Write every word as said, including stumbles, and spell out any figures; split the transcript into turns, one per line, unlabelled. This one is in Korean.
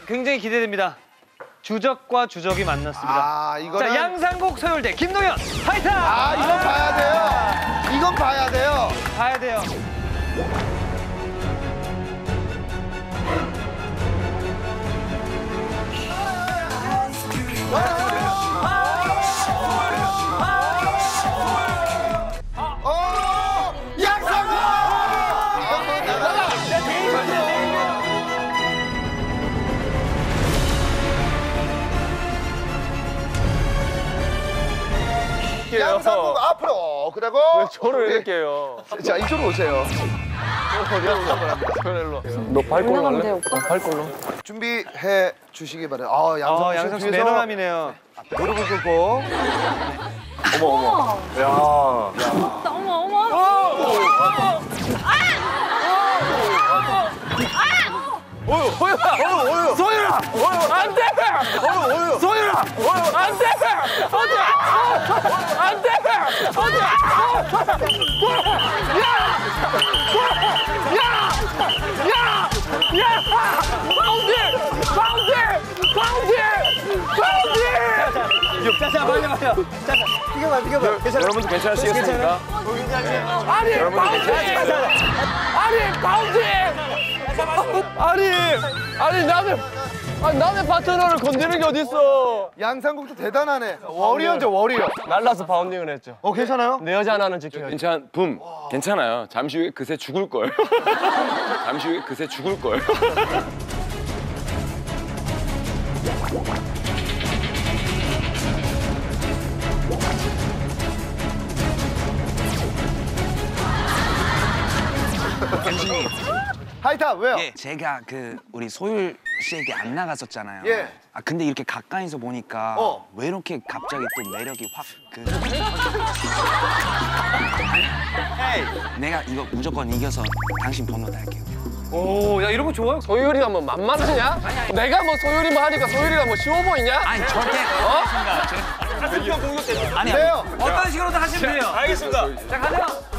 굉장히 기대됩니다. 주적과 주적이 만났습니다.
아, 이거는...
자, 양상국 서울대 김동현 파이터!
아, 이건 봐야 돼요. 이건 봐야 돼요.
봐야 돼요.
어! 양상국! 양상국 앞으로. 그리고
왜 저를 이렇게 해요?
자, 이쪽으로 오세요.
너 발걸로 할래? 어, 발걸로.
준비해 주시기 바래요. 아, 양상국
어,
씨
양상국 씨
뒤에서
매너남이네요.
무릎을 꿇고.
어머 어머. 야.
어머 어머.
어유 소율아. 어유 어유. 소율아. 어유 안 돼. 어유 어유. 소율아. 어유 안 돼. 어디? 안 돼. 어디? 야! 야! 야! 야! 바운드! 바운드! 바운드! 바운드!
짜자, 빨리 빨리. 짜자, 비켜봐, 비켜봐. 괜찮아.
여러분들 괜찮으시겠습니까? 아니 바운드! 아니 바운드! 아니 아니 나는 아니 남의 파트너를 건드리는 게 어딨어?
양상국도 대단하네. 워리어죠, 워리어.
날라서 바운딩을 했죠.
어, 괜찮아요?
내 여자 하나는 지켜야지.
괜찮, 붐. 괜찮아요. 잠시 후에 그새 죽을 걸. 잠시 후에 그새 죽을 걸.
교수님,
하이탑, 왜요?
예, 제가 그 우리 소율 씨에게 안 나갔었잖아요.
예.
아 근데 이렇게 가까이서 보니까
어.
왜 이렇게 갑자기 또 매력이 확 그. 내가 이거 무조건 이겨서 당신 번호 달게요.
오, 야 이런 거 좋아요.
소율이가 뭐 만만하냐? 내가 뭐 소율이만 하니까 소율이가 뭐 쉬워 보이냐?
아니 절대.
어?
아니
왜요?
어떤 식으로든 하시면 돼요.
알겠습니다.
자, 가세요.